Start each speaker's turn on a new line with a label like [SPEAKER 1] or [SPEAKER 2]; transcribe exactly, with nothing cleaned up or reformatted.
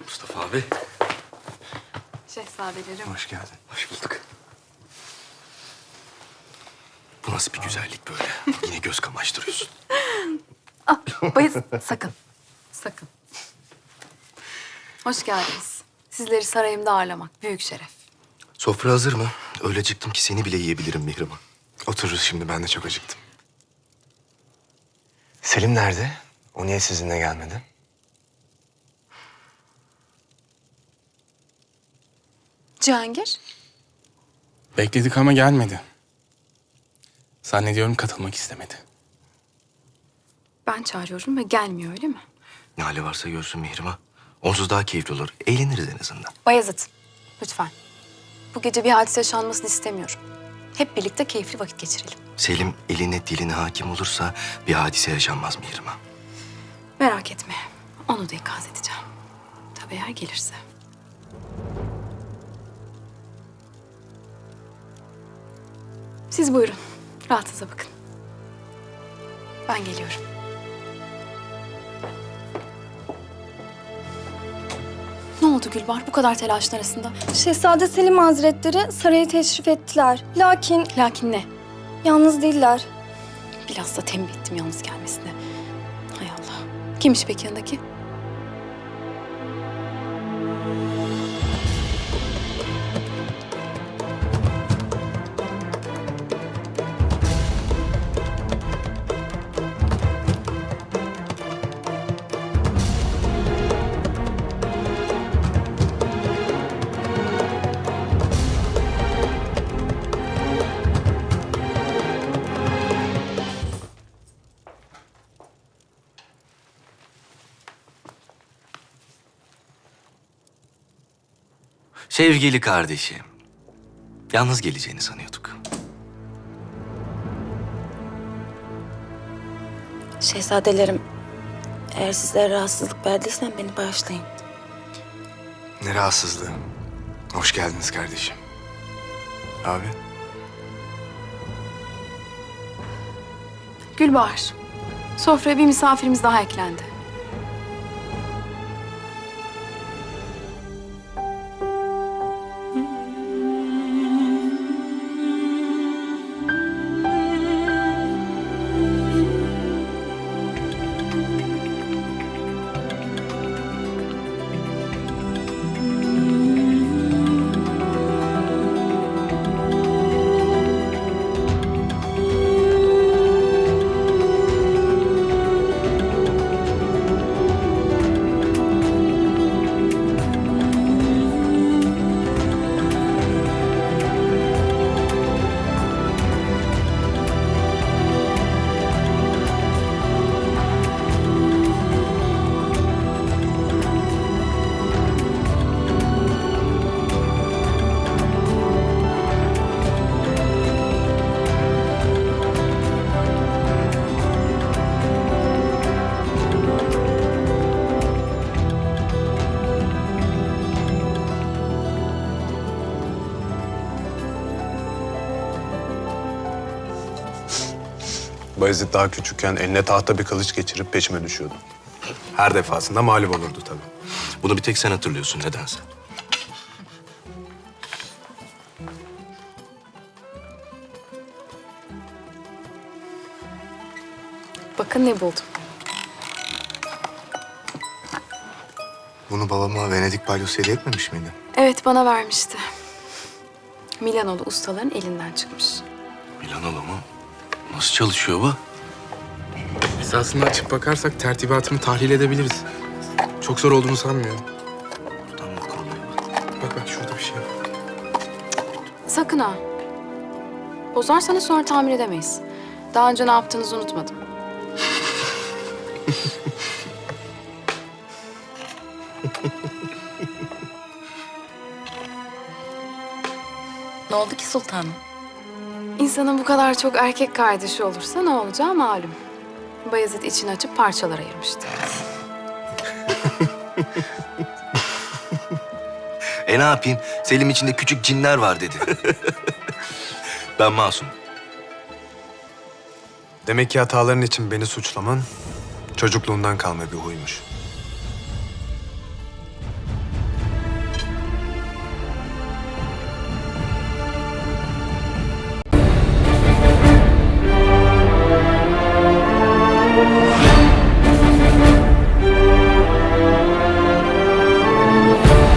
[SPEAKER 1] Mustafa abi.
[SPEAKER 2] Şehzadelerim.
[SPEAKER 1] Hoş geldin. Hoş bulduk. Bu nasıl bir güzellik böyle? Yine göz kamaştırıyorsun.
[SPEAKER 2] Ah, Bayezid sakın. Sakın. Hoş geldiniz. Sizleri sarayımda ağırlamak büyük şeref.
[SPEAKER 1] Sofra hazır mı? Öyle acıktım ki seni bile yiyebilirim Mihrimah.
[SPEAKER 3] Otururuz şimdi, ben de çok acıktım. Selim nerede? O niye sizinle gelmedi?
[SPEAKER 2] Cihangir.
[SPEAKER 4] Bekledik ama gelmedi. Zannediyorum katılmak istemedi.
[SPEAKER 2] Ben çağırıyorum ve gelmiyor öyle mi?
[SPEAKER 1] Ne hali varsa görsün Mihrimah. Onsuz daha keyifli olur. Eğleniriz en azından.
[SPEAKER 2] Bayezid, lütfen. Bu gece bir hadise yaşanmasını istemiyorum. Hep birlikte keyifli vakit geçirelim.
[SPEAKER 1] Selim eline diline hakim olursa bir hadise yaşanmaz Mihrimah.
[SPEAKER 2] Merak etme. Onu da ikaz edeceğim. Tabii eğer gelirse. Siz buyurun. Rahatınıza bakın. Ben geliyorum. Ne oldu Gülbar bu kadar telaşın arasında?
[SPEAKER 5] Şehzade Selim Hazretleri saraya teşrif ettiler. Lakin
[SPEAKER 2] Lakin ne?
[SPEAKER 5] yalnız değiller.
[SPEAKER 2] Biraz da tembih ettim yalnız gelmesine. Hay Allah. Kimmiş peki yanındaki?
[SPEAKER 1] Sevgili kardeşim. Yalnız geleceğini sanıyorduk.
[SPEAKER 5] Şehzadelerim, eğer sizlere rahatsızlık verdiysem beni bağışlayın.
[SPEAKER 3] Ne rahatsızlığı. Hoş geldiniz kardeşim. Abi,
[SPEAKER 2] Gülbahar. Sofraya bir misafirimiz daha eklendi.
[SPEAKER 3] Bayezid daha küçükken eline tahta bir kılıç geçirip peşime düşüyordu. Her defasında mağlup olurdu tabii.
[SPEAKER 1] Bunu bir tek sen hatırlıyorsun nedense.
[SPEAKER 2] Bakın ne buldum.
[SPEAKER 3] Bunu babama Venedik balyosu hediye etmemiş miydi?
[SPEAKER 2] Evet bana vermişti. Milanoğlu ustaların elinden çıkmış.
[SPEAKER 1] Milanoğlu mu? Nasıl çalışıyor bu?
[SPEAKER 4] Biz aslında açıp bakarsak tertibatını tahlil edebiliriz. Çok zor olduğunu sanmıyorum.
[SPEAKER 1] Buradan mı kuruluyor?
[SPEAKER 4] Bak bak şurada bir şey var.
[SPEAKER 2] Sakın ha. Bozarsanız sonra tamir edemeyiz. Daha önce ne yaptığınızı unutmadım.
[SPEAKER 5] Ne oldu ki sultanım?
[SPEAKER 2] İnsanın bu kadar çok erkek kardeşi olursa ne olacağı malum. Bayezid içini açıp parçalara ayırmıştı.
[SPEAKER 1] E ne yapayım? Selim içinde küçük cinler var dedi. Ben masum.
[SPEAKER 3] Demek ki hataların için beni suçlaman çocukluğundan kalma bir huymuş.
[SPEAKER 2] Sultan.